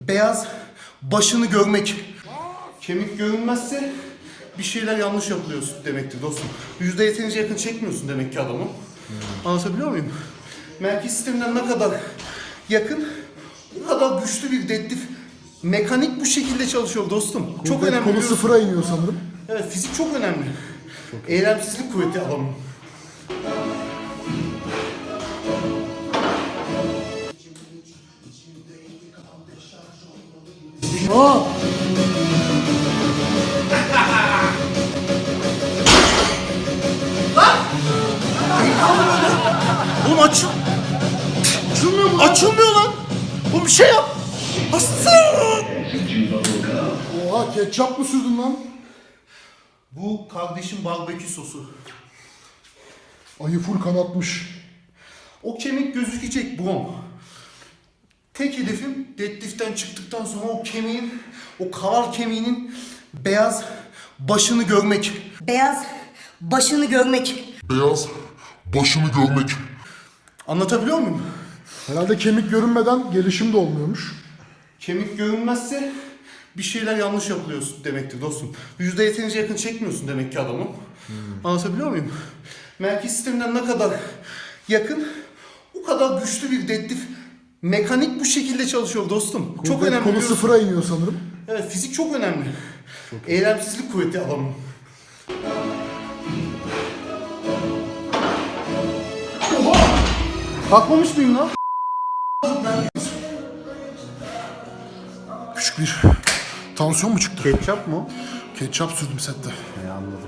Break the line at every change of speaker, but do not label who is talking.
Beyaz başını görmek. Kemik görünmezse bir şeyler yanlış yapılıyorsun demektir dostum. %yeterince yakın çekmiyorsun demek ki adamı. Anlatabiliyor muyum? Merkez sisteminden ne kadar yakın, o kadar güçlü bir dedektif. Mekanik bu şekilde çalışıyor dostum. Çok önemli.
Kolu sıfıra iniyor sanırım.
Evet, fizik çok önemli. Eylemsizlik kuvveti adamın.
Aa!
Oğlum açılmıyor mu? Açılmıyor lan. Oğlum bir şey yap. Aslan.
Oha, ketçap mı sürdün lan?
Bu kardeşim barbekü sosu.
Ayı full kanatmış.
O kemik gözükecek brom. Tek hedefim deadlift'ten çıktıktan sonra o kemiğin, o kaval kemiğinin beyaz başını görmek.
Beyaz başını görmek.
Beyaz başını görmek.
Anlatabiliyor muyum?
Herhalde kemik görünmeden gelişim de olmuyormuş.
Kemik görünmezse bir şeyler yanlış yapılıyorsun demektir dostum. %yeterince yakın çekmiyorsun demek ki adamı. Anlatabiliyor muyum? Merkez sisteminden ne kadar yakın, o kadar güçlü bir dedektif. Mekanik bu şekilde çalışıyor dostum. Çok önemli.
Kolu
biliyorsun.
sıfıra iniyor sanırım.
Evet, fizik çok önemli. Eylemsizlik kuvveti adamın. Bakmamış mıyım lan?
Küçük bir tansiyon mu çıktı?
Ketçap mı?
Ketçap sürdüm sette.
Anladım.